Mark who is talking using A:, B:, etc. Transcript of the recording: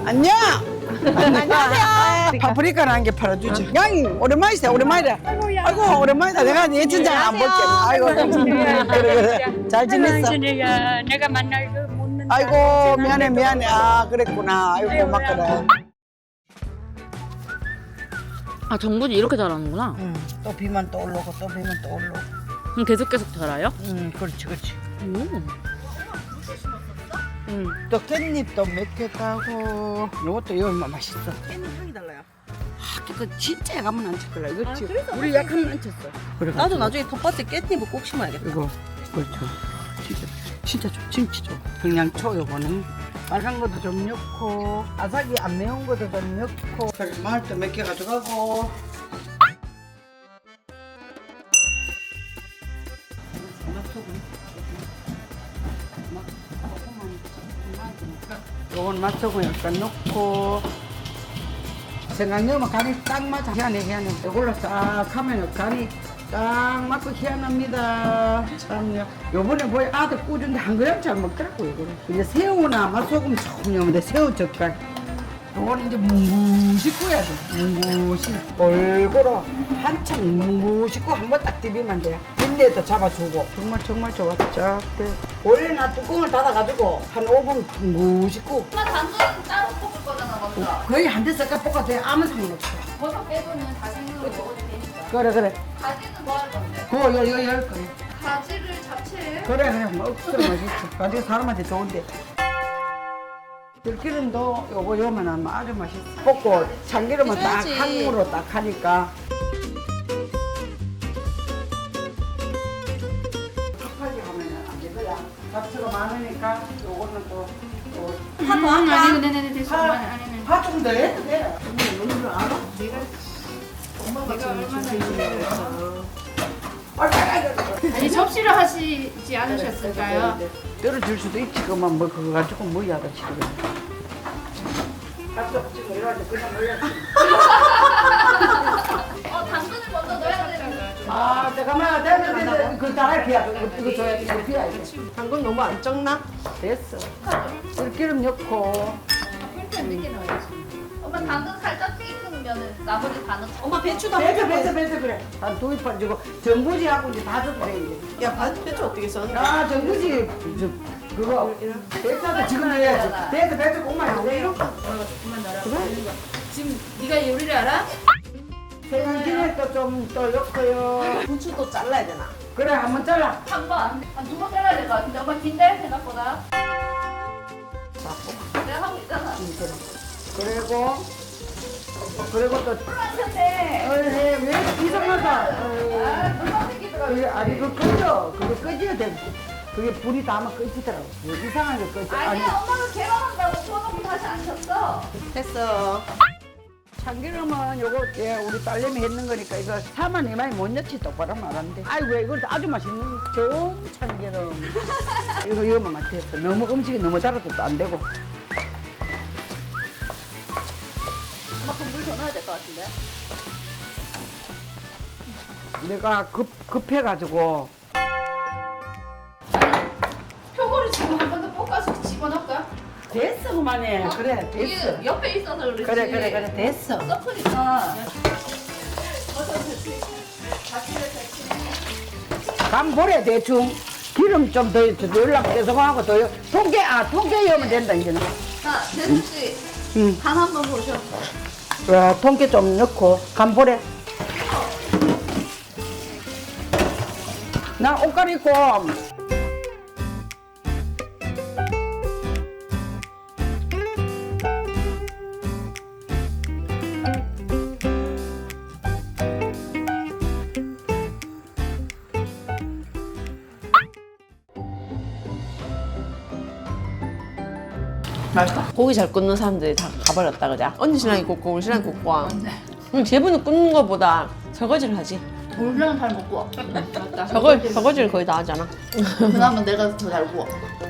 A: 안녕. 안녕하세요. 파프리카는 한 개 팔아주죠. 양이 오랜만이시다. 오랜만이다. 아이고 오랜만이다. 내가 네 진짜 안 볼게. 아이고 그래. 잘 지냈어?
B: 내가 만날 그 묻는
A: 아이고 미안해. 아 그랬구나. 아이고 고맙거라.
C: 아 정분이 이렇게 자라는구나.
A: 또 비만 또 올라오고 또 비만 또 올라오고.
C: 그럼 계속 자라요?
A: 그렇지.
C: 오.
A: 또 깻잎도 몇 개 따고 요것도 얼마 맛있어.
D: 깻잎 향이 달라요.
A: 그 진짜 약하면 안 쳤더라. 이거
D: 아,
A: 지금
D: 그래서
A: 우리 약하면 안 쳤어. 그래가지고.
D: 나도 나중에 텃밭에 깻잎을 꼭 심어야겠다.
A: 이거 그렇죠. 진짜 좋. 김치 좋. 평양초 요거는 빨간 것도 좀 넣고 아삭이 안 매운 것도 좀 넣고 그래 마늘도 몇 개 가져가고. 요건 맛소금 약간 넣고 생강 넣으면 간이 딱 맞아. 희한해. 이걸로 딱 하면 간이 딱 맞고 희한합니다. 참요. 요번에 뭐야 아들 꾸준히 한 그램 잘 먹더라고 이거를. 이제 새우나 맛소금 조금 넣으면 돼. 새우 젓갈. 요거는 이제 뭉구시 구워야 돼. 뭉구시. 골고루 한참 뭉구시 구워 한번 딱 디비면 돼. 빈대도 잡아주고. 정말 좋았죠. 원래 나 뚜껑을 닫아가지고 한 5분 뭉구시 구워.
E: 엄마 당근 따로 볶을 거잖아 먼저.
A: 거의 한 대 섞어 볶아도 돼. 아무 상관없어.
E: 버섯 빼고는 다 생으로 먹어도 되니까.
A: 그래.
E: 가지는 뭐 할 건데?
A: 그거 열 거야.
E: 가지를 잡채.
A: 그래 뭐 억수로 맛있어. 가지고 사람한테 좋은데. 들기름도 요거만 하면 아주 맛있어. 볶고 참기름은 딱
D: 해줘야지.
A: 한무로 딱 하니까. 급하게 하면 안 되거야. 잡채가 많으니까 요거는 또.
D: 한번 할까?
E: 아니고 네네네 됐어. 엄마 아니네.
A: 파좀 더 해도 돼.
E: 아니 접시를 하시지 않으셨을까요?
A: 떨어질 수도 있지. 그만 뭐 그거 가지고 뭐 야다 지금. 지금 이래가지고 그냥 올렸지.
E: 당근을 먼저 넣어야 되는
A: 아 잠깐만 됐어. 그 다할 피야. 이거 줘야 돼. 이거 피야 이거.
D: 당근 너무 안 적나?
A: 됐어. 들기름 넣고.
E: 늦게 넣어야지. 엄마 당근 살짝 익으면은 나머지 다 넣고.
D: 엄마 배추도
A: 배서 그래. 한 두입 빠지고 전부지하고 이제 다 줘도 돼 이제.
D: 야 배추 어떻게 써?
A: 아 전부지 그거 배서도 지금 넣어야지. 배서 꼭만 하고 이렇게.
E: 지금 네가 요리를 알아?
A: 생강기름도 좀 또 넣고요.
D: 부추도 잘라야 되나?
A: 그래 한번 잘라.
E: 한 번, 한 두 번 잘라야 될 것 같은데 엄마 긴데 생각보다. 내가 하고 있잖아.
A: 그리고 또
E: 하셨네.
A: 왜 이상하다.
E: 누가 생기더라고.
A: 아니 그거 꺼져. 그거 꺼져야 돼. 그게 불이 닿으면 꺼지더라고. 이상하게 꺼져.
E: 아니야 엄마가 개방한다고 소독이 다시 안 켰어.
D: 됐어.
A: 참기름은 요거 우리 딸내미 했는 거니까 이거 사만 이만이 못 넣지 똑바로 말하는데 아이고 이거 아주 맛있는 좋은 참기름 이거만 맛있어. 너무 음식이 너무 달아도 또 안 되고.
E: 엄마 물 더 넣어야 될 것 같은데.
A: 내가 급해가지고
E: 표고를 지금 한 번 더 볶아서 집어넣을까?
A: 됐어 그만해. 그래 됐어.
E: 이게 옆에 있어서 그렇지.
A: 그래 됐어.
E: 섞으니까.
A: 간 보래 대충 기름 좀 더 넣으려고 계속 하고 더 통깨 넣으면 된다 이제는.
E: 자, 대수 씨.
A: 응.
E: 간 한번 보셔.
A: 통깨 좀 넣고 간 보래. 나 옷 갈아입고
D: 고기 잘 굽는 사람들이 다 가버렸다 그자. 언니 신랑이 굽고 우리 신랑이 굽고. 제부는 굽는 거보다 설거지를 하지.
E: 돌려는 잘 못 구워. 맞다.
D: 설거지를 거의 다 하잖아.
E: 그나마 내가 더 잘 구워.